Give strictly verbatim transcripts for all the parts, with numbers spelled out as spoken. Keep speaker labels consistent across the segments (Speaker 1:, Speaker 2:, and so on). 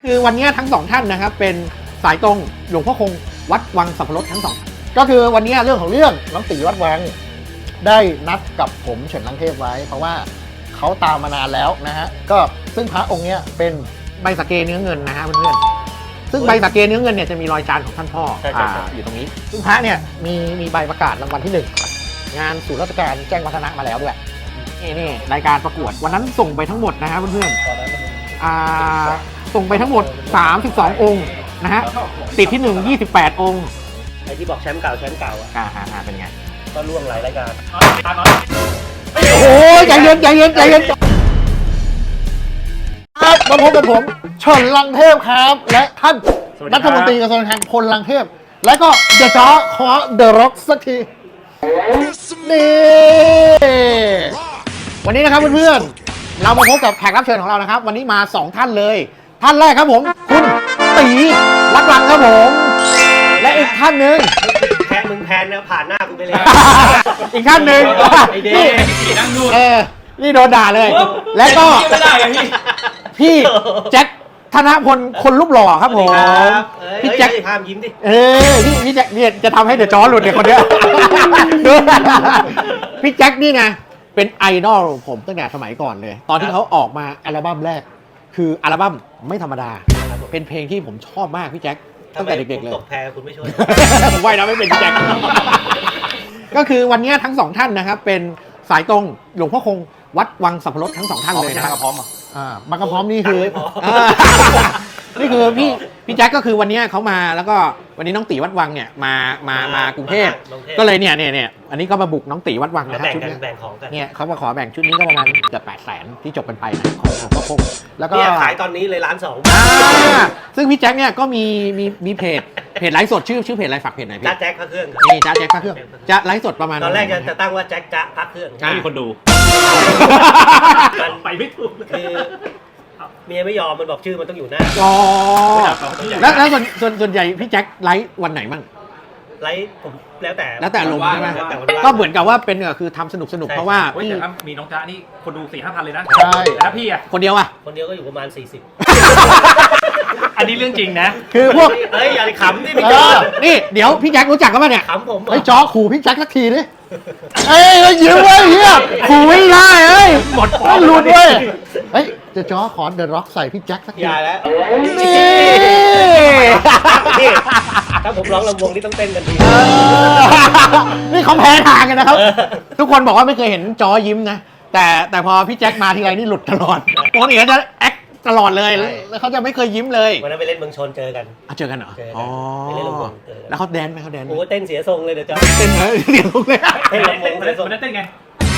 Speaker 1: คือวันนี้ทั้งสองท่านนะครับเป็นสายตรงหลวงพ่อคงวัดวังสัพพรสทั้งสองก็คือวันนี้เรื่องของเรื่องน้องตีวัดวังได้นัดกับผมเฉินลังเทพไว้เพราะว่าเขาตามมานานแล้วนะฮะก็ซึ่งพระองค์นี้เป็นใบสะเกเนื้อเงินนะฮะเพื่อนๆซึ่งใบสะเกเนื้อเงินเนี่ยจะมีรอยจานของท่านพ่อ อ, อยู่ตรงนี้ซึ่งพระเนี่ยมีมีใบประกาศรางวัลที่หนึ่งงานศูนย์ราชการแจ้งวัฒนะมาแล้วด้วยนี่นี่รายการประกวดวันนั้นส่งไปทั้งหมดนะฮะเพื่อนๆอ่าส่งไปทั้งหมดสามสิบสององค์นะฮะติดที่หนึ่ง ยี่สิบแปดองค์
Speaker 2: ไอ้ที่บอกแชมป์เก่าแชมป์เก่าอ่ะ
Speaker 1: อ่าฮะเป็นไง
Speaker 2: ก็ล่วงหลายรายการ
Speaker 1: โอ้โหใจเย็นใจเย็นใจเย็นครับมาพบกับผมเฉินลังเทพครับและท่านรัฐมนตรีกระทรวงการคลังพลลังเทพและก็เดอะจ๊อขอเดอะร็อกสักทีนี่วันนี้นะครับเพื่อนๆเรามาพบกับแขกรับเชิญของเรานะครับวันนี้มาสองท่านเลยท่านแรกครับผมคุณตีวัดวังครับผมและอีกท่านหนึ่ง
Speaker 2: แพ้มึงแพนนะผ่านหน้ากูไปเลย
Speaker 1: อีกท่านหนึ่งนี่นั่งดูเออนี่โดนด่าเลยแล้วก็พี่แจ็คธนพลคนรูปหล่อครับผม
Speaker 2: พี่แจ็คห้ามยิ้มดิ
Speaker 1: เออพี่พี่แจ็คเนี่ยจะทำให้เดอะจอหลุดเนี่ยคนเนี้ยพี่แจ็คนี่ไงเป็นไอดอลผมตั้งแต่สมัยก่อนเลยตอนที่เขาออกมาอัลบั้มแรกคืออัลบั้มไม่ธรรมดาเป็นเพลงที่ผมชอบมากพี่แจ็คตั้งแต่เด็กๆเลย
Speaker 2: ตกแพคุณไม่ช่วย
Speaker 1: ผมว่ายน้ำไม่เป็นพี่แจ็คก็คือวันนี้ทั้งสองท่านนะครับเป็นสายตรงหลวงพ่อคงวัดวังสัพพรสทั้งสองท่านเลยนะครับพร้อมอ่ามังกรพร้อมนี่คือนี่คือพี่พี่แจ็คก็คือวันนี้เขามาแล้วก็วันนี้น้องตีวัดวังเนี่ยมามามากรุงเทพก็เลยเนี่ยเนี่ยเนี่ยอันนี้ก็มาบุกน้องตีวัดวังนะฮะชุดนี้เนี่ยเขามาขอแบ่งชุดนี้ก็ประมาณเกือบแปดแสนที่จบกันไปของหลวงพ่อคงแล้วก็
Speaker 2: ขายตอนนี้เลยล้านสอง
Speaker 1: ซึ่งพี่แจ็คเนี่ยก็มีมีมีเพจเพจไลฟ์สดชื่อชื่อเพจอะไรฝากเพจหน่อยพี่
Speaker 2: จ้าแจ็คพระเครื่อง
Speaker 1: นี่จ้าแจ็คพระเครื่องจะไลฟ์สดประมาณ
Speaker 2: ตอนแรกจะตั้งว่าแจ็คจ้าพระเครื่อง
Speaker 3: ไม่มีคนดู
Speaker 2: ไปไม่ถูกคือเมียไม่ยอมมันบอกชื่อมันต้องอยู่หน้า
Speaker 1: อ๋อแล้วแล้วส่วนส่วนส่วนใหญ่พี่แจ็คไลฟ์วันไหนมั่ง
Speaker 2: ไลฟ์ผมแล้วแต่
Speaker 1: แล้วแต่ลงใช่ไหมก็เหมือนกับว่าเป็นคือทำสนุกสนุกเพราะว่า
Speaker 3: พี่แต่ถ้ามีน้องจ๊ะนี่คนดูสี่ห้าพันเลยนะ
Speaker 1: ใช่
Speaker 3: แต่ถ้าพี่อะ
Speaker 1: คนเดียวอะ
Speaker 2: คนเดียวก็อยู่ประมาณสี่สิบ
Speaker 3: อันนี้เรื่องจริงนะ
Speaker 1: คือพวก
Speaker 2: เฮ้ยอย่าขำดิพี่
Speaker 1: จ๊อนี่เดี๋ยวพี่แจ็ครู้จักกันป่ะเนี่ย
Speaker 2: ขำผม
Speaker 1: ไอ้จ๊อขู่พี่แจ็คสักทีดิเอ้ยยิ้มเว้ยเฮียขู่ไม่ได้เอ้ยหมดปอดหลุดเว้ยเฮ้ยจะจ๊อขอเดอะร็อกใส่พี่แจ็คสักที
Speaker 2: อย่าแล้ว
Speaker 1: นี่
Speaker 2: ถ้าผมร้องลำวงนี่ต้องเต้นกันที
Speaker 1: นี่เขาแพ้ทางกันนะครับทุกคนบอกว่าไม่เคยเห็นจ๊อยิ้มนะแต่แต่พอพี่แจ็คมาทีไรนี่หลุดตลอดปกติเขาจะแอคตลอดเลยแล้วเขาจะไม่เคยยิ้มเลย
Speaker 2: วันนั้นไปเล่นเมืองชนเจอกัน
Speaker 1: เจอกันเหรอ
Speaker 2: อ๋อไปเล่นลำวง
Speaker 1: แล้วเขาแดนไหมเขาแดน
Speaker 2: โอ้เต้นเสียทรงเลยเดี๋ยวจ๊อ
Speaker 1: เต้นเลยเสียทรงเลย
Speaker 2: เต้นลำวงเสียทรง
Speaker 3: วันนั้นเต้นไง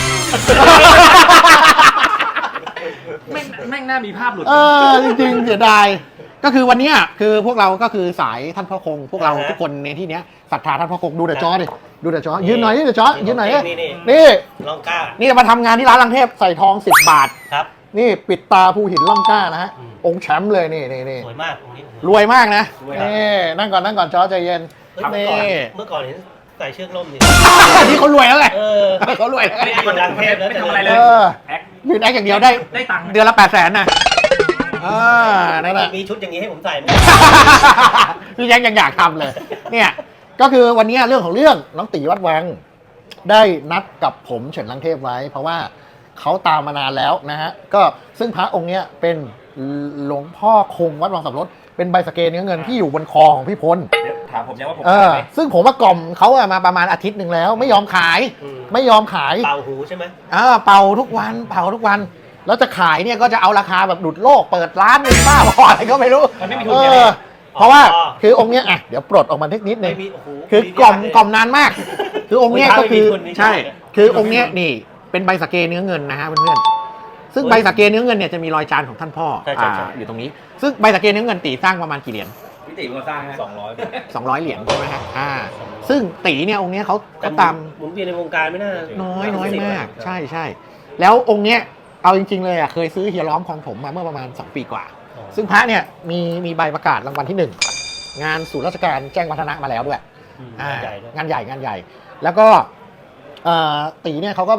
Speaker 3: แม่งแม่งน่ามีภาพหลุด
Speaker 1: เออจริงๆเสียดายก็คือวันนี้คือพวกเราก็คือสายท่านพ่อคงพวกเราทุกคนในที่นี้ศรัทธาท่านพ่อคงดูเดอะจอดิดูเดอะจอยืนหน่อยนี่เดอะจอยืนหน่อยนี่
Speaker 2: ล่องกล้า
Speaker 1: นี่มาทำงานที่ร้านลังเทพใส่ทองสิบบาท
Speaker 2: ครับ
Speaker 1: นี่ปิดตาภูหินล่องกล้านะฮะองค์แชมป์เลยนี่นี่นี่
Speaker 2: สวยมากตรงนี้
Speaker 1: รวยมากนะนี่นั่งก่อนนั่งก่อนจอใจเย็น
Speaker 2: นี่เมื่อก่อนเห็นใส่เชือกล่มนี่
Speaker 1: นี่เขารวยแล้วไงเขารวย
Speaker 2: แล้วไม่คนดังเทพแล้ว
Speaker 3: ไม่ทำอะไรเลย
Speaker 1: ยืนแอคอย่างเดียวได้
Speaker 3: ได้ตังค์
Speaker 1: เดือนละแปดแสนนะอ่านั่นแหละ
Speaker 2: มีชุดอย่างนี้ให้ผมใส่ไหม
Speaker 1: พี่ยังยังอยากทำเลยเนี่ยก็คือวันนี้เรื่องของเรื่องน้องตีวัดวังได้นัดกับผมเฉินลังเทพไว้เพราะว่าเขาตามมานานแล้วนะฮะก็ซึ่งพระองค์เนี้ยเป็นหลวงพ่อคงวัดวังสัพพรสเป็นใบสะเกเนื้อเงินที่อยู่บนคอของพี่พล
Speaker 3: ถามผมยังว่าผม
Speaker 1: เออซึ่งผมว่ากล่อมเขามาประมาณอาทิตย์หนึ่งแล้วไม่ยอมขายไม่ยอมขาย
Speaker 2: เป่าหูใช่ไหม
Speaker 1: เออเป่าทุกวันเป่าทุกวันแล้วจะขายเนี่ยก็จะเอาราคาแบบดุดโลกเปิดร้านหนึ่งบ้าบออะไรก็ไม่รู้
Speaker 3: มันไม่มีทุนไง
Speaker 1: เพราะว่าคือองค์เนี้ยอ่ะเดี๋ยวปลดออกมาเทคนิคนึงคือกล่อมกล่อมนานมากคือองค์เนี้ยก็คือใช่คือองค์เนี้ยนี่เป็นใบสะเกเนื้อเงินนะฮะเพื่อนๆซึ่งใบสะเกเนื้อเงินเนี่ยจะมีรอยจานของท่านพ่ออยู่ตรงนี้ซึ่งใบสะเกเนื้อเงินตีสร้างประมาณกี่เหรียญ
Speaker 3: พี่ตีมาสร้างสองร้อย
Speaker 1: สองร้อยเหรียญใช่ไหมฮะอ่าซึ่งตีเนี่ยองค์เนี้ยเขาเขาตาม
Speaker 2: หมุนเวียนในวงการไม่น่า
Speaker 1: น้อยน้อยมากใช่ใช่แล้วองค์เนี้ยเอาจริงๆเลยอ่ะเคยซื้อเฮียล้อมของผมมาเมื่อประมาณสองปีกว่าซึ่งพระเนี่ยมีมีใบประกาศรางวัลที่หนึ่งงานศูนย์ราชการแจ้งวัฒนะมาแล้วด้วยงานใหญ่งานใหญ่งานใหญ่แล้วก็ตีเนี่ยเขาก็แบบ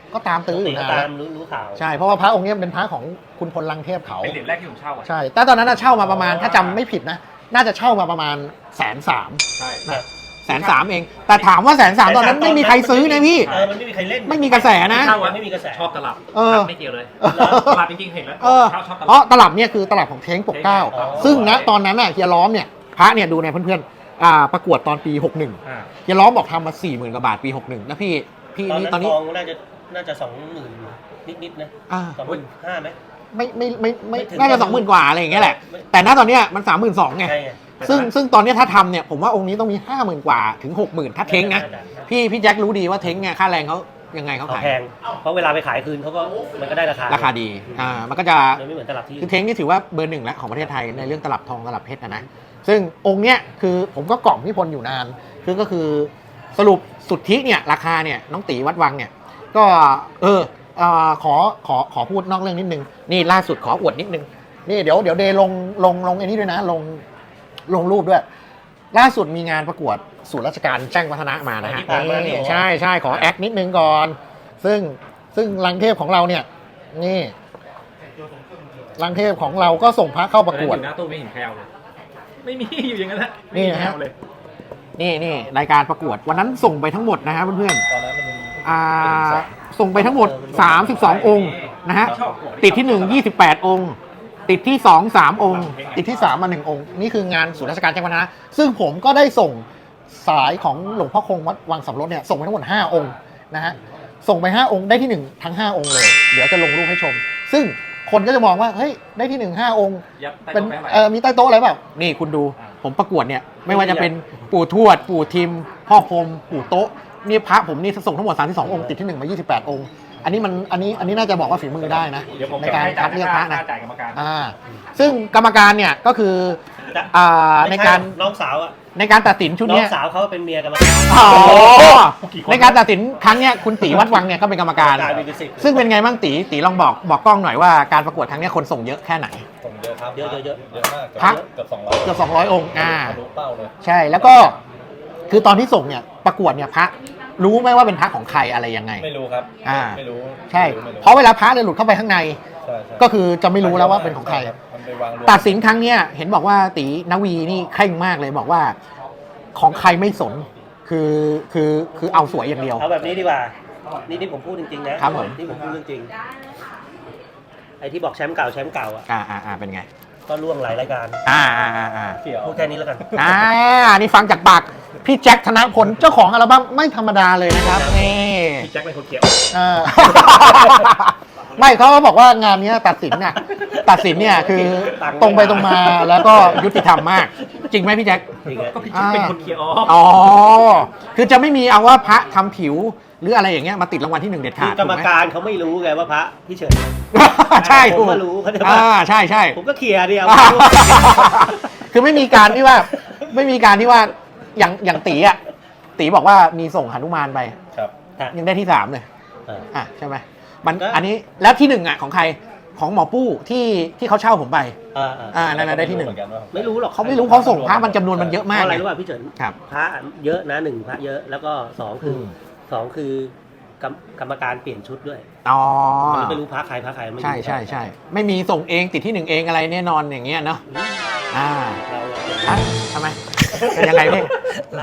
Speaker 1: ก็ตามตื้ออยู่
Speaker 2: ติ
Speaker 1: นะ
Speaker 2: ตามรู้รู้ข่าว
Speaker 1: ใช่เพราะว่าพระองค์เนี้ยเป็นพระของคุณพลลังเทพเขา
Speaker 3: เป็นเหรียญแรกที่ผมเช่าอ่ะ
Speaker 1: ใช่แต่ตอนนั้นน่ะเช่ามาประมาณถ้าจำไม่ผิดนะน่าจะเช่ามาประมาณแสนสาม
Speaker 3: ใช่
Speaker 1: แสนสามเอง แต่ถามว่าแสนสามตอนนั้นไม่มีใครซื้อนะพี่
Speaker 2: เออมันไม่มีใครเล่น
Speaker 1: ไม่มีกระแสนะ
Speaker 2: เช่าอะไม่มีกระแส
Speaker 3: ชอบตลับ
Speaker 1: เออ
Speaker 3: ไม่เกี่ยวเลยตลับจริงๆเห็นแล้ว
Speaker 1: เออ
Speaker 3: ชอบชอบต
Speaker 1: เพ
Speaker 3: ลับ
Speaker 1: ราะตลับเนี่ยคือตลับของเท้งปกเกล้า
Speaker 3: อ๋อ
Speaker 1: ซึ่งณตอนนั้นน่ะเฮียล้อมเนี่ยพระเนี่ยดูในเพื่อนๆอ่าประกวดตอนปีหกสิบเอ็ด
Speaker 3: อ่า
Speaker 1: เฮียล้อมบอกทำมาสี่หมื่นกว่าบาทปีหกสิบเอ็ดแล้วพี่พี่
Speaker 2: ตอน
Speaker 1: นี่
Speaker 2: นั้น
Speaker 1: ตอนนี้
Speaker 2: ทองน่าจะน่าจะสองหมื่นนิดๆนะ
Speaker 1: อ่า
Speaker 2: สองหมื่นห้าไหม
Speaker 1: ไม่ไม่ไม่ไม่
Speaker 2: ไม่ถึง
Speaker 1: น่าจะสองหมื่นกว่าอะไรอย่างเงี้ยแหละ
Speaker 2: ไม่
Speaker 1: แต่ณตอนเนี้ยมันสามหมื่นสองไง
Speaker 2: ใช่ไง
Speaker 1: ซึ่งซึ่งตอนเนี้ยถ้าทำเนี่ยผมว่าองค์นี้ต้องมีห้าหมื่นกว่าถึงหกหมื่นถ้าเท้งนะ พี่พี่แจ็ครู้ดีว่าเท้งเนี่ยค่าแรงเขายังไงเขา
Speaker 2: เขา
Speaker 1: ขาย
Speaker 2: แพงเพราะเวลาไปขายคืนเขาก็มันก็ได้ราคา
Speaker 1: ราคาดีอ่ามันก็จะ
Speaker 2: มันไม่เหมือนตลาดที่
Speaker 1: คือเท้งนี่ถือว่าเบอร์หนึ่งแล้วของประเทศไทยในเรื่องตลับทองตลับเพชรนะนะซึ่งองค์เนี้ยคือผมก็กล่อมพี่พลอยู่นานคือก็คือสรุปสุทธิเนี่ยราคาเนี่ยน้องตีวัดวังเนี่ยก็เออเอ่อขอขอขอพูดนอกเรื่องนิดนึงนี่ล่าสุดขออวดนิดนึงนี่เดี๋ยวเดี๋ยวเดย์ลงลงลงไอ้นี้ด้วยนะลงลงรูปด้วย ล่าสุดมีงานประกวดศูนย์ราชการแจ้งวัฒนะมานะฮะนี่ใช่ใช่ขอแอคนิดนึงก่อน ซึ่งซึ่งลังเทพของเราเนี่ยนี่ลังเทพของเราก็ส่งพระเข้าประกวด
Speaker 3: อยู่หน้าตู้ไม่เห็นใครเอาเลย ไม่มีอยู่อย่างนั้นแหละ
Speaker 1: นี่นะฮะ
Speaker 3: ไม่มีใครเอาเลย
Speaker 1: นี่นี่รายการประกวดวันนั้นส่งไปทั้งหมดนะฮะเพื่อน
Speaker 3: ตอนนั้นมัน
Speaker 1: ๆอ่าส่งไปทั้งหมดสามสิบสององค์นะฮะติดที่หนึ่ง ยี่สิบแปดองค์ ติดที่สอง สามองค์ ติดที่สามมาหนึ่งองค์นี่คืองานศูนย์ราชการแจ้งวัฒนะซึ่งผมก็ได้ส่งสายของหลวงพ่อคงวัดวังสำรสเนี่ยส่งไปทั้งหมดห้าองค์นะฮะส่งไปห้าองค์ได้ที่หนึ่งทั้งห้าองค์เลยเดี๋ยวจะลงรูปให้ชม ซึ่งคนก็จะมองว่าเฮ้ยได้ที่หนึ่งห้าองค์
Speaker 3: ยัดใต้
Speaker 1: เป็น
Speaker 3: โต๊ะแปะ
Speaker 1: เออมีใต้โต๊ะอะไรเปล่านี่คุณดูผมประกวดเนี่ยไม่ว่าจะเป็นปู่ทวดปู่ทิม พ่อพรหมปู่โต๊ะนี่พระผมนี่ส่งทั้งหมดสามสิบสององค์ติดที่หนึ่งมายี่สิบแปดองค์อันนี้มันอันนี้อันนี้น่าจะบอกว่าฝีมือได้นะ
Speaker 3: เดี๋ยวผม
Speaker 1: ในการคัดเลือกพระนะ
Speaker 3: จ่ายกรรมการ
Speaker 1: อ่าซึ่งกรรมการเนี่ยก็คืออ่าในการ
Speaker 2: น้องสาวอ่ะ
Speaker 1: ในการตัดสินชุด
Speaker 2: น้อ
Speaker 1: เนี้
Speaker 2: ง
Speaker 1: ย
Speaker 2: สาวเขาเป็นเมียกันมา
Speaker 1: อ๋อในการตัดสินครั้งเนี้ยคุณตีวัดวังเนี่ยก็เป็นกรรมการ
Speaker 2: กลายเป็นสิบ
Speaker 1: ซึ่งเป็นไงบ้างตีตีลองบอกบอกกล้องหน่อยว่าการประกวดครั้งเนี้ยคนส่งเยอะแค่ไหน
Speaker 4: ส่งเยอะครับ
Speaker 2: เยอะเยอะเยอะ
Speaker 4: เยอะมาก
Speaker 1: พัก
Speaker 4: เกือบสองร้อย
Speaker 1: เกือบสองร้อยองค์อ่า
Speaker 4: ทะลุเป้าเลย
Speaker 1: ใช่แล้วก็คือตอนที่ส่งเนี่ยประกวดเนี่ยพระรู้ไหมว่าเป็นพระของใครอะไรยังไง
Speaker 4: ไม่รู้ครับ
Speaker 1: อ่า
Speaker 4: ไม่รู้
Speaker 1: ใช่
Speaker 4: ไม่รู้
Speaker 1: เพราะเวลาพระเนี่ยหลุดเข้าไปข้างใน
Speaker 4: ใช่ใช่
Speaker 1: ก็คือจะไม่รู้แล้วว่าเป็นของใคร
Speaker 4: มันไปวางรวม
Speaker 1: ตัดสินครั้งเนี้ยเห็นบอกว่าตีนวีนี่เคร่งมากเลยบอกว่าของใครไม่สนคือคือคือเอาสวยอย่างเดียว
Speaker 2: เอาแบบนี้ดีกว่า นี่ที่ผมพูดจริงๆนะครับ
Speaker 1: ผม
Speaker 2: ที่ผมพูดเรื่องจริง ไอ้ที่บอกแชมป์เก่าแชมป์เก่าอ่ะ
Speaker 1: อ่าอ่าอ่าเป็นไง
Speaker 2: ก็ล่วงหลายรายการ
Speaker 1: อ่าอ่าอ่าอ่า
Speaker 4: เขียว
Speaker 2: พูดแค่นี้แล้วกัน
Speaker 1: อ่านี่ฟังจากปากพี่แจ็คธนพลเจ้าของอัลบั้มไม่ธรรมดาเลยนะครับนี่
Speaker 3: พี่แจ็คเป็นคนเขียว
Speaker 1: เออ ไม่เขาก็บอกว่างานเนี้ยตัดสินเนี่ยตัดสินเนี่ยคือตรงไปตรงมาแล้วก็ยุติธรรมมาก จริงไหมพี่แจ็ค
Speaker 2: จริงอะ
Speaker 3: ก็พี่แจ็คเป็นคนเขียวอ๋อ
Speaker 1: อ๋อ คือจะไม่มีเอาว่าพระทำผิวหรืออะไรอย่างเงี้ยมาติดรางวัลที่หนึ่งเด็ด
Speaker 2: คื
Speaker 1: ขา
Speaker 2: อ
Speaker 1: ด
Speaker 2: กรรม
Speaker 1: ถูไห
Speaker 2: การเขาไม่รู้ไงว่าพระพี่เฉิน
Speaker 1: ใช่
Speaker 2: ผม
Speaker 1: ถูก
Speaker 2: ก็รู้เขาจะ
Speaker 1: อ่า
Speaker 2: ว่า
Speaker 1: ใช่ใช่
Speaker 2: ผมก็เคลียร์เดียว
Speaker 1: คือไม่มีการที่ว่า ไม่มีการที่ว่าอย่างอย่างตีอ่ะตีบอกว่ามีส่งหนุมานไป
Speaker 4: ครับ
Speaker 1: ยังได้ที่สามเลย
Speaker 2: เออ
Speaker 1: อ่ะใช่ไหมมัน
Speaker 2: ก็
Speaker 1: อันนี้แล้วที่หนึ่งอ่ะของใครของหมอปู้ที่ที่เขาเช่าผมไป
Speaker 2: อ่าอ่า
Speaker 1: อ่านั่นนะได้ที่หนึ่ง
Speaker 4: เมือกัว่า
Speaker 2: ไม่รู้หรอก
Speaker 1: เขาไม่รู้เขาส่งพระมันจำนวนมันเยอะ
Speaker 2: เพ
Speaker 1: มาก
Speaker 2: ราะอะไร
Speaker 1: ไง
Speaker 2: รู้ป่ะพี่เฉิน
Speaker 1: ครับ
Speaker 2: พระเยอะนะหนึ่งพระเยอะแล้วก็สองคืออ
Speaker 1: ม
Speaker 2: สองคือกรรมกรรมการเปลี่ยนชุดด้วย
Speaker 1: อ๋อ
Speaker 2: มันไม่รู้พระใครพระใครไม่รู้
Speaker 1: ใช่ใช่ใช่ไม่มีส่งเองติดที่หนึ่งเองอะไรแน่นอนอย่างเงี้ยเนาะอ่า
Speaker 2: เรา
Speaker 1: อ่ะทำไมเป็นยังไงพี่
Speaker 2: เรา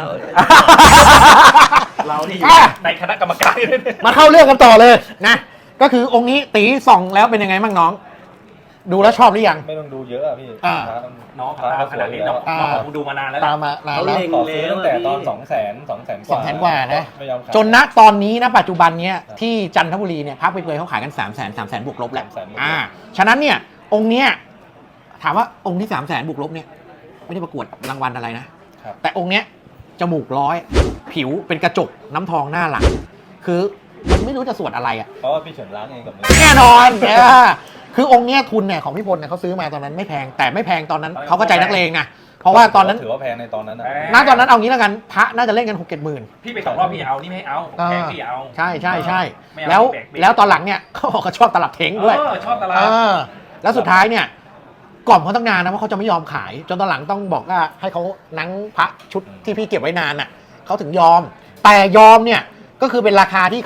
Speaker 3: เราที่อยู่
Speaker 1: อ่ะ
Speaker 3: ในคณะกรรมการ
Speaker 1: มาเข้าเรื่องกันต่อเลยนะก็คือองค์นี้ตีส่องแล้วเป็นยังไงบ้างน้อง ดูแล้วชอบหรือยัง
Speaker 4: ไม่ต้องดูเยอะอะพี่
Speaker 1: อ่า
Speaker 4: พระมัน
Speaker 3: น้อง
Speaker 4: พระ
Speaker 3: ตามขนาดนี้น้อง
Speaker 1: อ่า
Speaker 3: น้องคงดูมานานแล้ว
Speaker 1: ตามมานาน
Speaker 2: เขา
Speaker 1: แล้ว
Speaker 2: เล็ง
Speaker 4: ขอซื้อ
Speaker 2: แล้ว
Speaker 4: ตั้งแต่
Speaker 2: พี่
Speaker 4: ตอนสองแสนสองแสนก
Speaker 1: ส
Speaker 4: ว่า
Speaker 1: องแสนกว่านะ
Speaker 4: ไม่ยอมขาย
Speaker 1: จนณตอนนี้นะปัจจุบันเนี้ยที่จันทบุรีเนี่ยพักไปเปยเขาขายกันสามแสนสามแสนบวกลบแหละ
Speaker 4: สามแสนบวกลบ
Speaker 1: อ่าฉะนั้นเนี่ยองค์เนี้ยถามว่าองค์ที่สามแสนบวกลบเนี่ยไม่ได้ประกวดรางวัลอะไรนะ
Speaker 4: ครับ
Speaker 1: แต่องค์เนี้ยจมูกร้อย ผิวเป็นกระจกน้ำทองหน้าหลัง คือมันไม่รู้จะสวดอะไรอ่ะ
Speaker 4: เพราะว่าพี่เฉินล้างเองกับมือ
Speaker 1: แน่นอนเออคือองค์เนี้ยทุนเนี่ยของพี่พลเนี่ยเขาซื้อมาตอนนั้นไม่แพงแต่ไม่แพงตอนนั้นเขาก็ใจนักเลงนะเพราะว่าตอนนั้น
Speaker 4: ถือว่าแพงในตอนนั้นนะ
Speaker 1: ณตอนนั้นเอางี้แล้วกันพระน่าจะเล่นกันหกเจ็ดหมื่น
Speaker 3: พี่ไปสองรอบพี่เอานี่ไม่ให้เอาแพงพี่เอา
Speaker 1: ใช่ใช่ใช่
Speaker 3: ไม่เอา
Speaker 1: แล้ว
Speaker 3: แบกเบรก
Speaker 1: แล้วตอนหลังเนี่ยเขาบอกเขาชอบตลับเท้งด้วย
Speaker 3: เออชอบตลาด
Speaker 1: เออแล้วสุดท้ายเนี่ยกล่อมเขาตั้งนานนะว่าเขาจะไม่ยอมขาย จนตอนหลังต้องบอกว่าให้เขานังพระชุดที่พี่เก็บไว้นานน่ะเขาถึงยอม แต่ยอมเนี่ยก็คือเป็นราคาที่เขา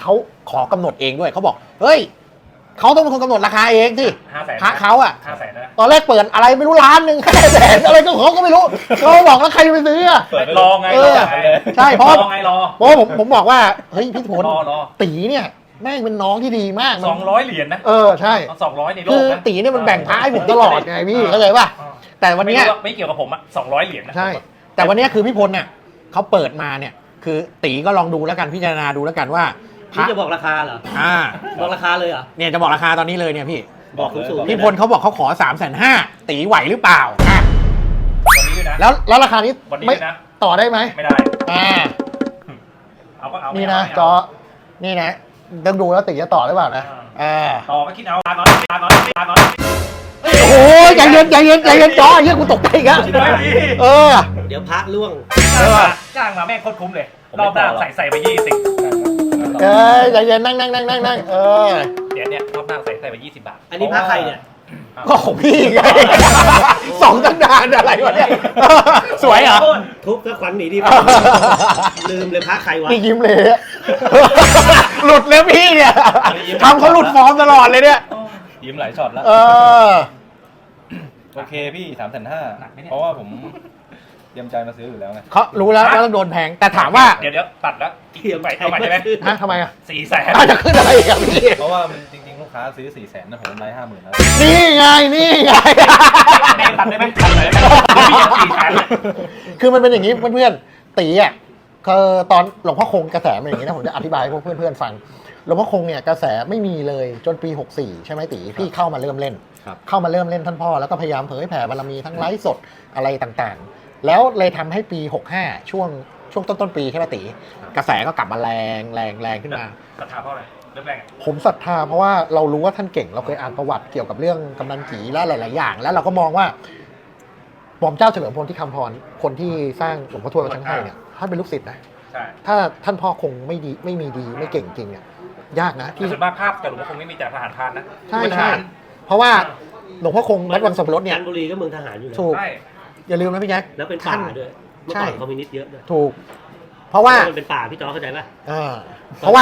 Speaker 1: ขอกำหนดเองด้วยเขาบอกเฮ้ยเขาต้องเป็นคนกำหนดราคาเองที่
Speaker 3: ห้าแสน
Speaker 1: พระเขาอ่ะ
Speaker 3: ห้าแสนนะ
Speaker 1: ตอนแรกเปิดอะไรไม่รู้ล้านหนึ่งห้าแสนอะไรก็เขาก็ไม่รู้เขาบอกแล้วใครจะไปซื้ออ่ะ
Speaker 4: เปิดไป
Speaker 3: รอไง
Speaker 1: เอ
Speaker 3: รอ
Speaker 1: อ
Speaker 3: ไง
Speaker 1: ใช่เพราะ
Speaker 3: รอไงรอ
Speaker 1: เพราะผมผมบอกว่าเฮ้ยพี่พล
Speaker 3: รอรอ
Speaker 1: ตีเนี่ยแม่งเป็นน้องที่ดีมาก
Speaker 3: สองร้อยเหรียญนะ
Speaker 1: เออใช่
Speaker 3: สองร้อยในโล
Speaker 1: คื
Speaker 3: ก
Speaker 1: อ
Speaker 3: นะ
Speaker 1: ตีเนี่ยมันแบ่งพระให้ผมตลอดไงพี่เข้าใจป่ะ
Speaker 3: อ่า
Speaker 1: แต่วันเนี้ย
Speaker 3: ไม่รู้ว่าไม่เกี่ยวกับผมอะสองร้อยเหรียญนะ
Speaker 1: ใช่ แต่วันเนี้ยคือพี่พลเนี่ยเขาเปิดมาเนี่ย คือตีก็ลองดูแล้วกันพิจารณาดูแล้วกันว่าพ
Speaker 2: นี่
Speaker 1: ระ
Speaker 2: จะบอกราคาเหรอ
Speaker 1: อ่า
Speaker 2: บอกราคาเลยเหรอ
Speaker 1: เนี่ยจะบอกราคาตอนนี้เลยเนี่ยพี่
Speaker 2: บอกสูงๆ
Speaker 1: พี่พลเขาบอกเขาขอสามแสนห้าตีไหวหรือเปล่าอ่ะ
Speaker 3: วันนี้ด้วยนะ
Speaker 1: แล้วแล้วราคานี้
Speaker 3: วันนี้
Speaker 1: ไม่
Speaker 3: ด้วยนะ
Speaker 1: ต่อได้ไหม
Speaker 3: ไม่ได้
Speaker 1: อ่า
Speaker 3: เอาก็เอา
Speaker 1: นี่
Speaker 3: ไม่
Speaker 1: นะ
Speaker 3: เอาไม่
Speaker 1: จ
Speaker 3: เอา
Speaker 1: อนี่นะต้องดูแล้วตีจะต่อหรือเปล่านะอ่า
Speaker 3: ต่อก็คิดเอาตาก่อนตาก่อนตาก่อน
Speaker 1: โอ้ยใจเย็นใจเย็นใจเย็นจอเฮียกูตกใจอีกแล้วเออ
Speaker 2: เดี๋ยวพักล่วง
Speaker 3: จ้างมาจ้างมาแม่งโคตรคุ้มเลยรอบหน้าใส่ใส่ไปยี่สิบ
Speaker 1: เอ้ยใจเย็นนั่งนั่งนั่งนั่งนั่งเออ
Speaker 3: เดี๋ยวเนี่ยรอบหน้าใส่ใส่ไปยี่สิบบาท
Speaker 2: อันนี้พักใครเนี่ย
Speaker 1: ก็ของพี่ไงสองตั้งนานอะไรวะเนี่ยสวยเหรอ
Speaker 2: ทุบก็ขวัญหนีดีลืมเลยพักใครวะ
Speaker 1: นี่ยิ้มเลยอะหลุดเลยพี่เนี่ยทำเขาหลุดฟอร์มตลอดเลยเนี่ย
Speaker 4: ยิ้มหลายช็อตแล้ว
Speaker 1: เออ
Speaker 4: โอเคพี่สามแสนห้าเพราะว่าผมเตรียมใจมาซื้ออยู่แล้วไง
Speaker 1: เขารู้แล้วว่าต้องโดนแพงแต่ถามว่า
Speaker 3: เดี๋ยวเดี๋ยวตัดแล้ว
Speaker 2: เทียม
Speaker 3: ไปเอาใหม่ได้ไหม
Speaker 1: ฮะทำไมอ่ะ
Speaker 3: สี่แสน
Speaker 1: อาจจะขึ้นอะไรอีกอ่ะพี่
Speaker 4: เพราะว่ามันจริงๆลูกค้าซื้อสี่แสนนะผมกำไรห้าหมื่นแล้ว
Speaker 1: นี่ไงนี่ไง
Speaker 3: แม่งตัดได้ไหมตัดเลยพี่ยังสี่แสนเลย
Speaker 1: คือมันเป็นอย่างนี้เพื่อนๆตีอ่ะคือตอนหลวงพ่อคงกระแสเป็นอย่างนี้นะผมจะอธิบายให้พวกเพื่อนๆฟังหลวงพ่อคงเนี่ยกระแสไม่มีเลยจนปีหกสี่ใช่ไหมตีพี่เข้ามาเริ่มเล่น
Speaker 4: ครับ
Speaker 1: เข้ามาเริ่มเล่นท่านพ่อแล้วก็พยายามเผยแผ่บารมีทั้งไลฟ์สดอะไรต่างๆ แล้วเลยทำให้ปีหกห้าช่วงช่วงต้นต้นๆปีใช่ไหมตีกระแสก็กลับมาแรงแรงแรงขึ้นมา
Speaker 3: ศรัทธาเพราะอะไรเริ่มแรกอะ
Speaker 1: ผมศรัทธาเพราะว่าเรารู้ว่าท่านเก่งเราเคยอ่านประวัติเกี่ยวกับเรื่องกำนันกีและหลาย ๆ อย่าง แล้วเราก็มองว่าหม่อมเจ้าเฉลิมพลที่คำพรคนที่สร้างหลวงพ่อทวดวัดช้างให้เนี่ยท่านเป็นลูกศิษย์นะ
Speaker 3: ใช่
Speaker 1: ถ้าท่านพ่อคงไม่ดีไม่มีดีไม่เก่งจริงเนี่ยยากนะ
Speaker 3: ที่
Speaker 1: ที่
Speaker 3: ส่วนมากภาพแต่หลวงพ่อคงไม่มีแต่ทหารพรานนะ
Speaker 1: ใช่
Speaker 3: เป็นท
Speaker 1: ใช่
Speaker 3: หาร
Speaker 1: เพราะว่าหลวงพ่อคงวัดวังสับปะรดเนี่ย
Speaker 2: จันทบุรีก็เมืองทหารอยู่นะ
Speaker 1: ถูก
Speaker 3: ใช่
Speaker 1: อย่าลืมนะพี่แจ๊ค
Speaker 2: แล้วเป็นป่าด้วยเมื่อ
Speaker 1: ใช่
Speaker 2: ก่อนคอมมิวนิสต์เยอะด้วย
Speaker 1: ถูก เพราะว่า
Speaker 2: มันเป็นป่าพี่จอเข้าใจป่ะ
Speaker 1: เออเพราะว่า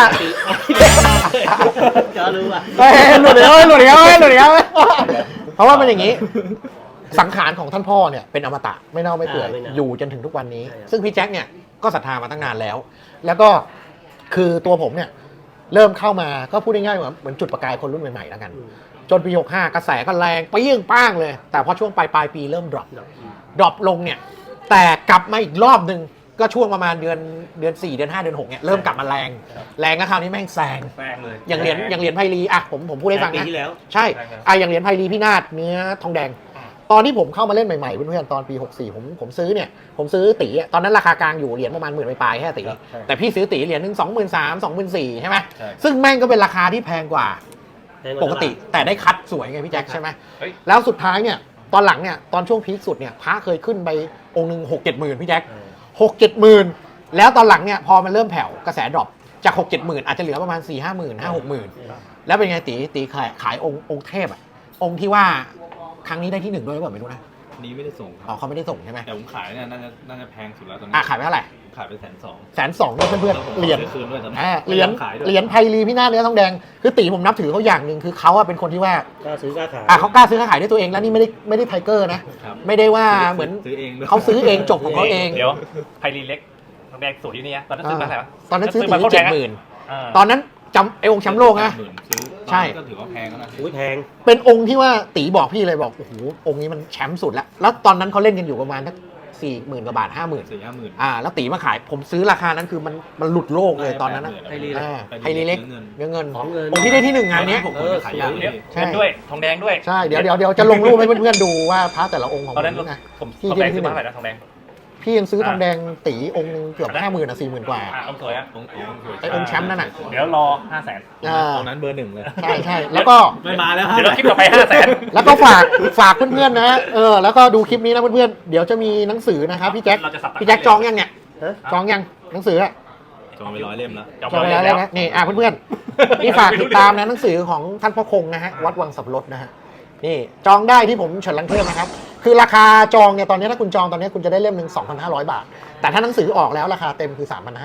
Speaker 2: จอรู้ป่ะ
Speaker 1: เฮ้ยหลุดเดียวหลุดเดียวหลุดเดียวเพราะว่ามันอย่างนี้ สังขารของท่านพ่อเนี่ยเป็นอมตะไม่เน่าไม่เปื่อยอยู่จนถึงทุกวันนี้ ซึ่งพี่แจ็คเนี่ยก็ศรัทธามาตั้งนานแล้ว แล้วก็คือตัวผมเนี่ยเริ่มเข้ามาก็พูดง่ายๆว่าเหมือนจุดประกายคนรุ่นใหม่ๆแล้วกัน จนปีหกห้ากระแสก็แรงไปยิ่งป้างเลย แต่พอช่วงปลายปลายปีเริ่มดรอปดรอปลงเนี่ยแต่กลับมาอีกรอบหนึ่งก็ช่วงประมาณเดือนเดือนสี่เดือนห้าเดือนหกเนี่ยเริ่มกลับมาแรงแรงก็คราวนี้แม่งแซง
Speaker 3: แรงเลย
Speaker 1: อย่างเหรียญอย่างเหรียญไพลีอ่ะผมผมพูดให้ฟัง
Speaker 2: ปี
Speaker 1: นะ
Speaker 2: ที่แล้ว
Speaker 1: ใช่อ่ะอย่างเหรียญไพลีพี่นาฏเนื้อทองแดง ตอนที่ผมเข้ามาเล่นใหม่ๆเพื่อนๆตอนปีหกสี่ผมผมซื้อเนี่ยผมซื้อตีอ่ะตอนนั้นราคากลางอยู่เหรียญประมาณหมื่นปลายๆแค่ตีแต่พี่ซื้อตีเหรียญหนึ่งสองหมื่นสามสองหมื่นสี่ใช่ไหม
Speaker 4: ใช่
Speaker 1: ซึ่งแม่งก็เป็นราคาที่แพงกว่าปกติแต่ได้คัดสวยไงพี่แจ็คใช่ไหม
Speaker 3: เฮ้ย
Speaker 1: แล้วสุดท้ายเนี่ยตอนหลังเนี่ยตอนช่วงพีคสุดเนี่ยพระเคยขึ้นไปองค์หนึ่งหกเจ็ดหมื่นพี่แจ็คหกเจ็ดหมื่นแล้วตอนหลังเนี่ยพอมันเริ่มแผ่วกระแสดรอปจากหกเจ็ดหมื่นอาจจะเหลือประมาณสี่ห้าหมื่นห้าหกหมื่นแล้วเป็นไงตีตีขายขายองค์องค์เทพอะองค์ที่ว่าครั้งนี้ได้ที่หนึ่งด้วยหรือเปล่าไม่รู้นะ
Speaker 4: นี้ไม่ได้ส่งค
Speaker 1: อ๋อ
Speaker 4: รับ
Speaker 1: เขาไม่ได้ส่งใช่ไหม
Speaker 4: แต่ผมขายเนี่ยน่าจะน่าจะแพงสุดแล้วตอนนี้
Speaker 1: อ่ะขายไปเท่าไหร่
Speaker 4: ผมขายไปแสนสอง
Speaker 1: แสนสองเนี่ยเพื่อนๆเหรียญ
Speaker 4: คืนด้วยตอนนี้
Speaker 1: อ่าเหรียญ
Speaker 4: ขายด้วย
Speaker 1: เหรียญไพลีพี่หน้าเนื้อทองแดงคือตีผมนับถือเขาอย่างหนึ่งคือเขาอะเป็นคนที่ว่า
Speaker 2: ก็ซื้อกล้าขาย
Speaker 1: อ่ะเขากล้าซื้อค้าขายด้วยตัวเองแล้วนี่ไม่ได้ไม่ได้ไทเกอร์นะ
Speaker 4: ครับ
Speaker 1: ไม่ได้ว่าเหมือน
Speaker 4: ซื้อเองด้วย
Speaker 1: เขาซื้อเองจบของเขาเอง
Speaker 3: เดี๋ยวไพรีเล็กทองแดงสวยอยู่นี่นะตอนนั้นซื้อมาเท่าไหร่วะ
Speaker 1: ตอนนั้นซื้อตี
Speaker 3: มา
Speaker 1: เจ็ดหมื่น
Speaker 3: อ่า
Speaker 1: ตอนนั้นจำไอ้องค์แชมป์โลกนะ
Speaker 4: หมื่นซื้อ
Speaker 1: ใช่
Speaker 4: ก็ถือว่าแพงแล้วนะ
Speaker 2: อุ้ยแพง
Speaker 1: เป็นองค์ที่ว่าตีบอกพี่เลยบอกโอ้โหองค์นี้มันแชมป์สุดแล้วแล้วตอนนั้นเขาเล่นกันอยู่ประมาณสักสี่หมื่นกว่าบาทห้าหมื่น
Speaker 4: สี่ห้าหมื่น
Speaker 1: อ่าแล้วตีมาขายผมซื้อราคานั้นคือมันมันหลุดโลกเลยตอนนั้นนะ
Speaker 4: ไพลี
Speaker 1: อ่า
Speaker 4: ไพ
Speaker 1: ไพลีเล็ก
Speaker 4: เงิน
Speaker 1: เนื้อเงิน
Speaker 2: ของเงิน
Speaker 1: องค์ที่ได้ที่หนึ่งงานเนี้ย
Speaker 4: ผมเคยขายยา
Speaker 3: เดี๋ยว
Speaker 4: พี่
Speaker 1: ใช่
Speaker 3: เงินด้วยทองแดงด้วย
Speaker 1: ใช่เดี๋ยวเดี๋ยวเดี๋ยวจะลงรูปให้เพื่อนๆดูว่าพระแต่ละองค์ของ
Speaker 3: ตอนนั้น
Speaker 1: ผมนะ
Speaker 3: ผม
Speaker 1: ที่
Speaker 3: ทองแดง
Speaker 1: ที่
Speaker 3: ซื้อมาเท่าไหร่นะทองแดง
Speaker 1: พี่ยังซื้อทองแดงตีองค์หนึงเกือบห้าหมื่นอ่ะสี่หมื่นกว่า
Speaker 3: อ่ะองค์สวยอ่ะ
Speaker 4: องค์องค์สวย
Speaker 1: ไอ้องค์แชมป์นั่นน่ะ
Speaker 3: เดี๋ยวรอห้าแสน
Speaker 1: อ่า
Speaker 4: ตอนนั้นเบอร์หนึ่งเลย
Speaker 1: ใช่ใช่แล้วก็
Speaker 2: ไม่มาแล้ว
Speaker 3: เดี๋ยวเราคลิปต่อไปห้าแสน
Speaker 1: แล้วก็ฝากฝากเพื่อนๆนะเออแล้วก็ดูคลิปนี้นะเพื่อนๆเดี๋ยวจะมีหนังสือนะครับพี่แจ็ค
Speaker 3: เราจะสับ
Speaker 1: พี่แจ็คจองยังเนี่ยจองยังหนังสืออะ
Speaker 4: จองไปร้อยเล่มแล้ว
Speaker 3: จอง
Speaker 1: จอง
Speaker 3: ไป
Speaker 1: แล้ว
Speaker 3: แล้ว
Speaker 1: นะนี่อ่ะเพื่อนๆนี่ฝากติดตามนะหนังสือของท่านพ่อคงนะฮะวัดวังสับปะรดนะฮะนี่จองได้ที่ผมเฉินลังเทพนะครับคือราคาจองเนี่ยตอนนี้ถ้าคุณจองตอนนี้คุณจะได้เล่มหนึ่ง สองพันห้าร้อย บาท แต่ถ้าหนังสือออกแล้วราคาเต็มคือ สามพันห้าร้อย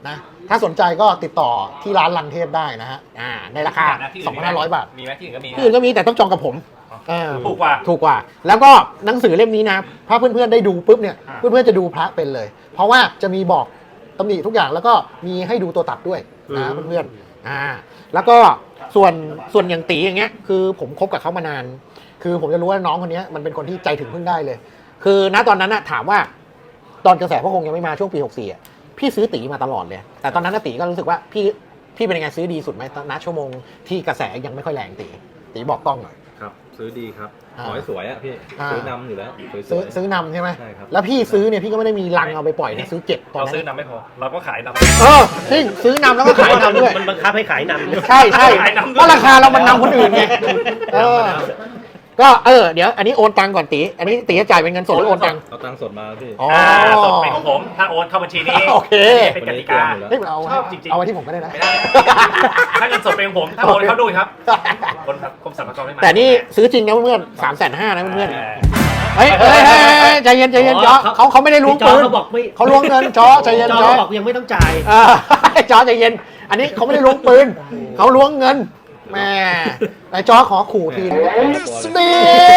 Speaker 1: นะถ้าสนใจก็ติดต่อที่ร้านลังเทพได้นะฮะอ่าในราคา สองพันห้าร้อย บาท
Speaker 3: มีไหมที่อื่นก็มี
Speaker 1: ที่อื่นก็มีแต่ต้องจองกับผมเออ
Speaker 3: ถูกกว่า
Speaker 1: ถูกกว่า แล้วก็หนังสือเล่มนี้นะถ้าเพื่อนๆได้ดูปุ๊บเนี่ย
Speaker 3: อ่า
Speaker 1: เพื่อนๆจะดูพระเป็นเลย เพราะว่าจะมีบอกตำหนิทุกอย่างแล้วก็มีให้ดูตัวตัดด้วยนะเพื่อนๆอ่าแล้วก็ส่วนส่วนอย่างตีอย่างเงี้ยคือผมคบกับเขามานาน คือผมจะรู้ว่าน้องคนนี้มันเป็นคนที่ใจถึงพึ่งได้เลย คือณตอนนั้นนะถามว่าตอนกระแสพระคงยังไม่มาช่วงปีหกสี่อ่ะพี่ซื้อตีมาตลอดเลย แต่ตอนนั้นนะตีก็รู้สึกว่าพี่พี่เป็นยังไงซื้อดีสุดไหมณชั่วโมงที่กระแสยังไม่ค่อยแรงตีตีบอกกล้องหน่อย
Speaker 4: ครับ ซื้อดีครับ
Speaker 1: อ่า
Speaker 4: ขอให้สวยอ่ะพี่
Speaker 1: อ่า
Speaker 4: ซื้อนำอยู่แล้วส
Speaker 1: ซื้อ
Speaker 4: วยๆ
Speaker 1: ซื้อนำใช่ไหม
Speaker 4: ใช่ครับ
Speaker 1: แล้วพี่ซื้อเนี่ยพี่ก็ไม่ได้มีลังเอาไปปล่อยนะซื้อเจ็ดตอน
Speaker 3: เรา
Speaker 1: นั้
Speaker 3: ซื้อน นำไม่พอ เราก็ขายนำ
Speaker 1: เออจริงซื้อนำแล้วก็ขายนำด้วย
Speaker 2: มันบังคับให้ขายนำ
Speaker 1: ใช่ใช่
Speaker 3: ขายนำด้วย
Speaker 1: เพราะราคาเรามันนำคนอื่นไงเออก็เออเดี๋ยวอันนี้โอนตังก่อนตีอันนี้ตีจะจ่ายเป็นเงินสดหรือโอนตัง
Speaker 4: เอาตังค์สดมาพี่
Speaker 1: อ๋อ
Speaker 3: อ่าสดเป็นของผม ถ้าโอนเข้าบัญชีนี้
Speaker 1: โอเค
Speaker 3: เป็นกติกา
Speaker 1: เฮ้ยเอา
Speaker 3: ชอบจริงๆ
Speaker 1: เอาไว้ที่ผมก็ได้นะ
Speaker 3: ไม่ได้ ถ้าเงินสดเป็นของผม ถ้าโอนเข้าด้วยครับคนกรมสรรพากรไม่มา
Speaker 1: แต่นี่ซื้อจริงนะเพื่อนสามแสนห้านะเพื่อน
Speaker 3: เออ
Speaker 1: ๆเฮ้ยเฮ้ยเฮ้ยเฮ้ยใจเย็นใจเย็นจอเขาเขาไม่ได้ล้วง
Speaker 2: จอ
Speaker 1: ปืน
Speaker 2: เขาบอกไม่
Speaker 1: เขาล้วงเงินจอใจเย็น
Speaker 2: จอ
Speaker 1: จอ
Speaker 2: เขาบอกยังไม่ต้องจ่าย
Speaker 1: เออจอใจเย็น อันนี้เขาไม่ได้ล้วงปืนเขาล้วงเงินแม่ไอ้จอขอขู่ทีนึงนี่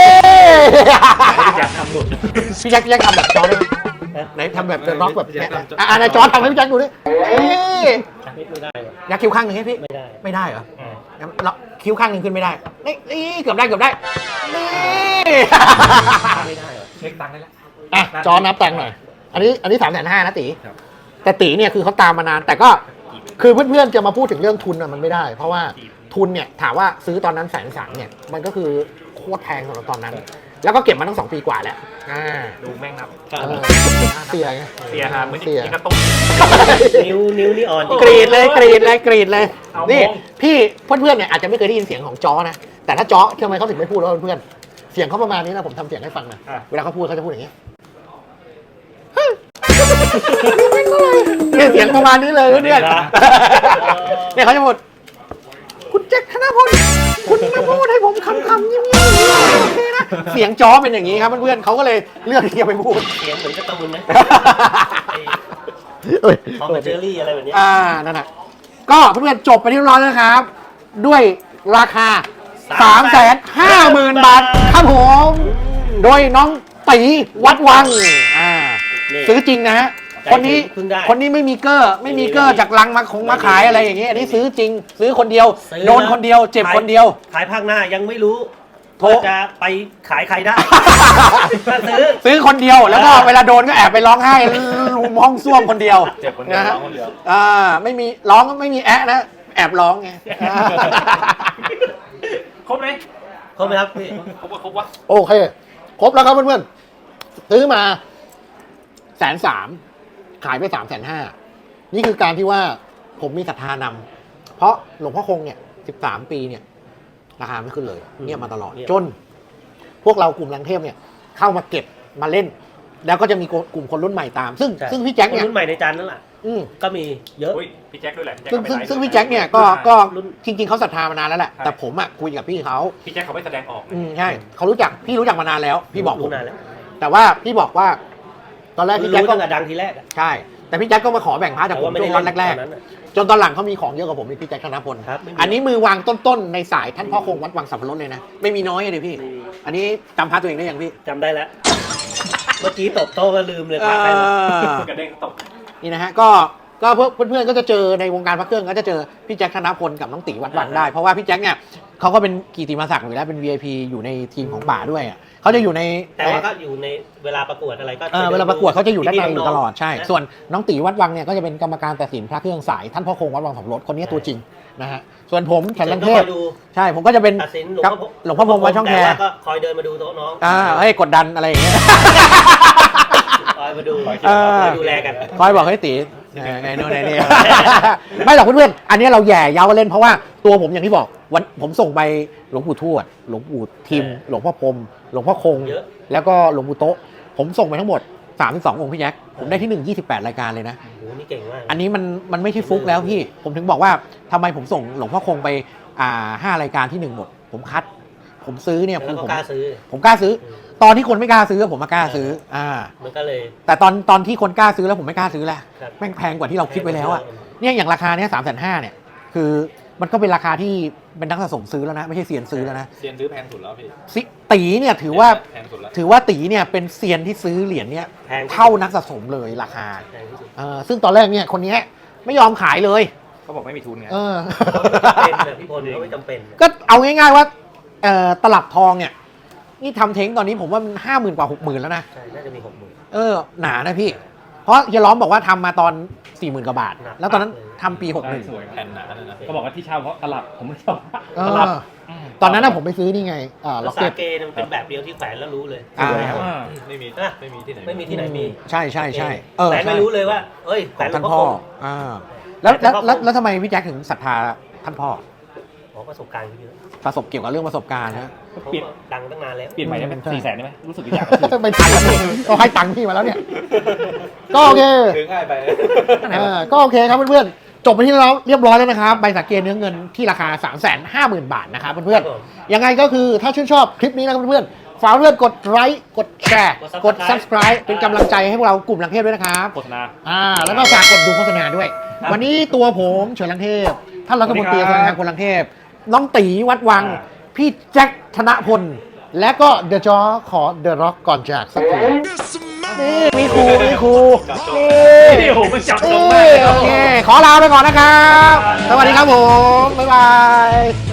Speaker 2: อยากทำหลุด
Speaker 1: พี่แจ็คพี่แจ็คทำแบบจอได้ไหมไหนทำแบบเดอะร็อกแบบเนี้ยอ่ะอ่ะนายจอทำให้พี่แจ็คดูดิเอ้ย
Speaker 2: ไม่ได้หรอก
Speaker 1: อยากคิ้วข้างหนึ่งให้พี่
Speaker 2: ไม่ได้
Speaker 1: ไม่ได้เหรอ
Speaker 3: อืม
Speaker 1: งั้นเราคิ้วข้างหนึ่งขึ้นไม่ได้ นี่นี่เกือบได้เกือบได้นี่
Speaker 2: ไม่ได้หรอก
Speaker 3: เช็คตังค์ได้แล้ว
Speaker 1: อ่ะจอนับตังค์หน่อย อันนี้อันนี้สามแสนห้านะตี
Speaker 4: ครับ
Speaker 1: แต่ตีเนี่ยคือเขาตามมานาน แต่ก็คือเพื่อนๆจะมาพูดถึงเรื่องทุนอ่ะมันไม่ได้ เพราะว่าทุนเนี่ยถามว่าซื้อตอนนั้นแสนสามเนี่ยมันก็คือโคตรแพงสำหรับตอนนั้น แล้วก็เก็บมาตั้งสองปีกว่าแล้วอ่า
Speaker 3: ดูแม่งนับ
Speaker 1: เออเสียไง
Speaker 3: เสียหาเหมือน
Speaker 1: เสีย
Speaker 3: ยิงกระตุ้น
Speaker 2: นิ้วนิ้วนี่อ่อน
Speaker 1: กรีดเลยกรีดเลยกรีดเลย
Speaker 3: เอา
Speaker 1: นี่
Speaker 3: มง
Speaker 1: พี่เพื่อนๆเนี่ยอาจจะไม่เคยได้ยินเสียงของจอนะแต่ถ้าจอทำไมเขาถึงไม่พูดแล้วเพื่อนๆเสียงเขาประมาณนี้นะผมทำเสียงให้ฟังนะเวลาเขาพูดเขาจะพูดอย่างนี้เนี่ยเสียงประมาณนี้เลยเพื่อนๆเนี่ยเขาจะพูดคุณแจ็คธนพลคุณมาพูดให้ผมคำคำเงียบๆโอเคนะเสียงจอเป็นอย่างนี้ครับเพื่อนๆเขาก็เลยเลือกที่จะไปพูด
Speaker 2: เสียงเหมือนการ์ตูนนะ
Speaker 1: เอ้ย
Speaker 2: ทอมกับเจอรี่อะไรแบบนี้
Speaker 1: อ่า นั่นแหะก็เพื่อนๆจบไปที่เรียบร้อยแล้วนะครับ ด้วยราคา สามแสนห้าหมื่น บาทครับผม โดยน้องตีวัดวัง อ่า
Speaker 2: นี่
Speaker 1: ซื้อจริงนะฮะ
Speaker 2: ใจ
Speaker 1: คนนี้
Speaker 2: เพิ่งได้
Speaker 1: คนนี้ไม่มีเกอร์ ไม่มีเกอร์จากลังมาคงมาขายอะไรอย่างเงี้ย อันนี้ซื้อจริง ซื้อคนเดียว
Speaker 2: ซื้อ
Speaker 1: โดนคนเดียว เจ็บคนเดียว
Speaker 2: ขายภาคหน้ายังไม่รู้
Speaker 1: โทร
Speaker 2: ว่าจะไปขายใครได้ ถ้าซื้อ
Speaker 1: ซื้อคนเดียว แล้วก็เวลาโดนก็แอบไปร้องไห้ห้องส้วมคนเดียว
Speaker 3: เจ็บคนเดียว
Speaker 1: นะฮะ
Speaker 3: ร้องคนเดียว
Speaker 1: อ่าไม่มีร้องไม่มีแอะนะ แอบร้องไง
Speaker 3: ครบไหม
Speaker 2: ครบไหมครับพี่
Speaker 3: ครบว่าครบวะ
Speaker 1: โอเค ครบแล้วครับเพื่อนๆซื้อมาแสนสามขายไปสามแสนห้านี่คือการที่ว่าผมมีศรัทธานำเพราะหลวงพ่อคงเนี่ยสิบสามปีเนี่ย ราคาไม่ขึ้นเลยเงียบมาตลอด จน พวกเรากลุ่มลังเทพเนี่ย เข้ามาเก็บมาเล่น แล้วก็จะมีกลุ่มคนรุ่นใหม่ตาม ซึ่ง
Speaker 2: ใช่
Speaker 1: ซึ่งพี่แจ็ค
Speaker 2: คน
Speaker 1: เนี่ย
Speaker 2: รุ่นใหม่ในจานนั่นแหละ
Speaker 1: อืม
Speaker 2: ก็มีเยอะ
Speaker 3: อุ้ยพี่แจ็คด้วยแหละพี่แจ็ค
Speaker 1: ซึ่ง
Speaker 3: ก็ไป
Speaker 1: ซึ่ง
Speaker 3: ไลฟ์
Speaker 1: ซึ่งพี่แจ็คเนี่ยก็
Speaker 3: อ่า
Speaker 1: ก็
Speaker 2: รุ่น
Speaker 1: จริงๆเขาศรัทธามานานแล้วแหละ
Speaker 3: ใช่
Speaker 1: แต่ผมอ่ะคุยกับพี่เขา
Speaker 3: พี่แจ็คเขาไม่แสดงออก
Speaker 1: อืมใช่เขารู้จักพี่รู้จักมานานแล้ว พี่บอกผม
Speaker 2: รู้นานแล้ว
Speaker 1: แต่ว่าพี่บอกว่า ตอนแรกพี่แจ็ค
Speaker 2: รู้
Speaker 1: ก็
Speaker 2: ตั้งแต่ดังทีแรกอะ
Speaker 1: ใช่ แต่พี่แจ็คก็มาขอแบ่งพาร์ทจากผม
Speaker 2: ไม่
Speaker 1: ช่
Speaker 2: ได้
Speaker 1: วงวันแรก
Speaker 2: ตอนนั้นอะ
Speaker 1: ๆ จนตอนหลังเขามีของเยอะกว่าผมนี่พี่แจ็คธนพล
Speaker 2: ครับไม่มี
Speaker 1: อันนี้มือวางต้นๆ ในสายท่านพ่อคงวัดวังสับปะรดเลยนะ ไม่มีน้อยเลยพี่
Speaker 2: ไม่มี
Speaker 1: อันนี้จำพาร์ทตัวเองได้ยังพี่
Speaker 2: จำได้แล้ว เมื่อกี้ตบโต๊ะก็ลืมเลย
Speaker 1: เอ
Speaker 2: พาใครมา
Speaker 1: อ
Speaker 3: กระเด้งตก
Speaker 1: นี่นะฮะ ก็ก็เพื่อนเพื่อนๆก็จะเจอในวงการพระเครื่องก็จะเจอพี่แจ็คธนพลกับน้องตีวัดวังได้ เพราะว่าพี่แจ็คเนี่ยเขาก็เป็นกีติมาศักดิ์อยู่แล้วเป็น วี ไอ พี อยู่ในทีมของป่าด้วยอะเขาจะอยู่ใน
Speaker 2: แต่ว่าก็อยู่ในเวลาประกวดอะไรก็
Speaker 1: เออเวลาประกวดเขาจะอยู่ด้านในอยู่ตลอดใช่
Speaker 2: นะ
Speaker 1: ส่วนน้องตีวัดวังเนี่ยก็จะเป็นกรรมการตัดสินพระเครื่องสายท่านพ่อคงวัดวังสับปะรดคนนี้ตัวจริงนะฮะส่วนผมแขนลังเทพ
Speaker 2: ส่วนก็คอยดู
Speaker 1: ใช่ผมก็จะเป็น
Speaker 2: ตัดสินหลวง
Speaker 1: ครับ
Speaker 2: พ่อ
Speaker 1: หลวงพ่อพรหมวัดช่องแค
Speaker 2: ต่ว่าก็คอยเดินมาดูโต๊ะน้อง
Speaker 1: อ่าเฮ้ยกดดันอะไรอย่างเงี้ย
Speaker 2: คอยมาดู
Speaker 1: เออ
Speaker 2: คอยดูแลกัน
Speaker 1: คอยบอกให้ตีเออไงโน่นไงนี่ ไม่หรอกเพื่อนๆอันนี้เราแย่เย้าเล่นเพราะว่าตัวผมอย่างที่บอกวันผมส่งไปหลวงปู่ทวดหลวงปู่ทิม
Speaker 2: เออ
Speaker 1: หลวงพ่อพรหมหลวงพ่อคง
Speaker 2: เยอะ
Speaker 1: แล้วก็หลวงปู่โต๊ะผมส่งไปทั้งหมดสามสิบสององค์พี่แจ็คผมได้ที่หนึ่ง ยี่สิบแปดรายการเลยนะ
Speaker 2: โอ้โหนี่เก่งมาก
Speaker 1: อันนี้มันมันไม่ใช่ฟุกแล้วพี่ ผมถึงบอกว่าทำไมผมส่งหลวงพ่อคงไปอ่าห้ารายการที่หนึ่งหมด ผมคัด ผมซื้อเนี่ย
Speaker 2: แล้ว
Speaker 1: คือ
Speaker 2: ก็
Speaker 1: ผม
Speaker 2: กล้าซื้อ
Speaker 1: ผมกล้าซื้อ ตอนที่คนไม่กล้าซื้อผมมากล้าซื้อ อ่า
Speaker 2: มันก็เลย
Speaker 1: แต่ตอนตอนที่คนกล้าซื้อแล้วผมไม่กล้าซื้อแหละ
Speaker 2: ครับ
Speaker 1: แม่งแพงกว่าที่เราคิดไว้แล้วอะ
Speaker 2: แพงกว่า
Speaker 1: เนี่ยอย่างราคาเนี้ยสามแสนห้าเนี่ยคือมันก็เป็นราคาที่เป็นนักสะสมซื้อแล้วนะไม่ใช่เซียนซื้อแล้วนะ
Speaker 4: เซียนซื้อแพงสุดแล้วพี่
Speaker 1: ซิตีเนี่ยถือว่า
Speaker 4: แพงสุดแล้ว
Speaker 1: ถือว่าตีเนี่ยเป็นเซียนที่ซื้อเหรียญเนี่ย
Speaker 2: แพง
Speaker 1: เท่านักสะสมเลยราคา
Speaker 2: แพงที่สุด
Speaker 1: เออซึ่งตอนแรกเนี่ยคนเนี้ยไม่ยอมขายเลย
Speaker 4: เขาบอกไม่มีทุนไง
Speaker 1: เออ
Speaker 2: เป็นเลยพี่พลเขาไม่จำเป็น
Speaker 1: ก็เอาง่ายๆว่าเอ่อตลับทองเนี่ยนี่ทำเท้งตอนนี้ผมว่ามันห้าหมื่นกว่าหกหมื่นแล้วนะ
Speaker 2: ใช่น่าจะมีหกหมื่น
Speaker 1: เออหนานะพี่ เพราะเฮียล้อมบอกว่าทำมาตอนสี่หมื่นกว่าบาท
Speaker 2: หนัก
Speaker 1: แล้วตอนนั้น
Speaker 2: เลย
Speaker 1: ทำปีหกหนึ่ง
Speaker 4: สวยแผ่นหนาเลยนะ
Speaker 3: ก็บอกว่าที่เช่าเพราะตลับผมไม่ชอบ
Speaker 1: เออตอนนั้นน่ะผมไปซื้อนี่ไงอ่า
Speaker 2: แล้
Speaker 1: ล็
Speaker 2: ว
Speaker 1: อก
Speaker 2: สา
Speaker 1: เก็ต
Speaker 2: เกเนี่ยมันเป็นแบบเดียวที่แขวนแล้วรู้เลย
Speaker 1: อ่า
Speaker 2: สวยครับ
Speaker 4: ไม่มี
Speaker 2: อ่ะ
Speaker 4: ไม่มีที่ไหน
Speaker 2: ไม่มีที่ไหนมี
Speaker 1: ใช่ใช่ใช่เออ
Speaker 2: แขวนไม่
Speaker 1: ใช่
Speaker 2: รู้เลยว่าเอ้ยแข
Speaker 1: ข
Speaker 2: ว
Speaker 1: อน ง
Speaker 2: หลว
Speaker 1: ท่าน
Speaker 2: งพ่อ
Speaker 1: พ่อ
Speaker 2: คง
Speaker 1: อ่าแล้วแล้ว
Speaker 2: แต่พ่อ
Speaker 1: แล้วแล้วทำไมพี่แจ็คถึงศรัทธาท่านพ่อ
Speaker 2: อ๋อประสบการณ์เขาเยอะ
Speaker 1: ประสบเกี่ยวกับเรื่องประสบการณ์นะ
Speaker 2: เขา
Speaker 3: เปลี่ยน
Speaker 2: ดังตั้งนานแล้ว
Speaker 3: เปลี่ยนใหม่ได้ไหม
Speaker 1: ใช่
Speaker 3: สี่แสนได้ไหมรู้สึกอยาก
Speaker 1: ไปถ่ายกันพี่ก็ให้ตังค์พี่มาแล้วเนี่ย ก็โอเค
Speaker 4: ซื้อง่ายไป
Speaker 1: เออก็โอเคครับเพื่อนๆจบไปที่เราเรียบร้อยแล้วนะครับใบสังเกตเนื้อเงินที่ราคา สามแสนห้าหมื่น บาทนะครับเพื่อนๆยังไงก็คือถ้าชื่นชอบคลิปนี้นะครับเพื่อนๆฝากเพื่อนกดไลค์กดแชร์กด subscribe เป็นกำลังใจให้พวกเรากลุ่มลังเทพด้วยนะครับ
Speaker 3: โฆษณา
Speaker 1: อ่าแล้วก็ฝากกดดูโฆษณาด้วย วันนี้ตัวผมเฉินลังเทพท่านรัฐมนตรี
Speaker 3: สวั
Speaker 1: ธ
Speaker 3: สดี
Speaker 1: นา
Speaker 3: ครั
Speaker 1: คาร
Speaker 3: บ
Speaker 1: คนลังเทพน้องตีวัดวัง
Speaker 3: อ่า
Speaker 1: พี่แจ็คธนพล และก็เดอะจอขอเดอะร็อกก่อนจากสักทีนี่มีครูมีครูนี่
Speaker 3: นี่โอ้โหมันจับตรง
Speaker 1: นี่
Speaker 3: มากเลย
Speaker 1: โอเคขอลาไปก่อนนะครับ สวัสดีครับผม บ๊ายบาย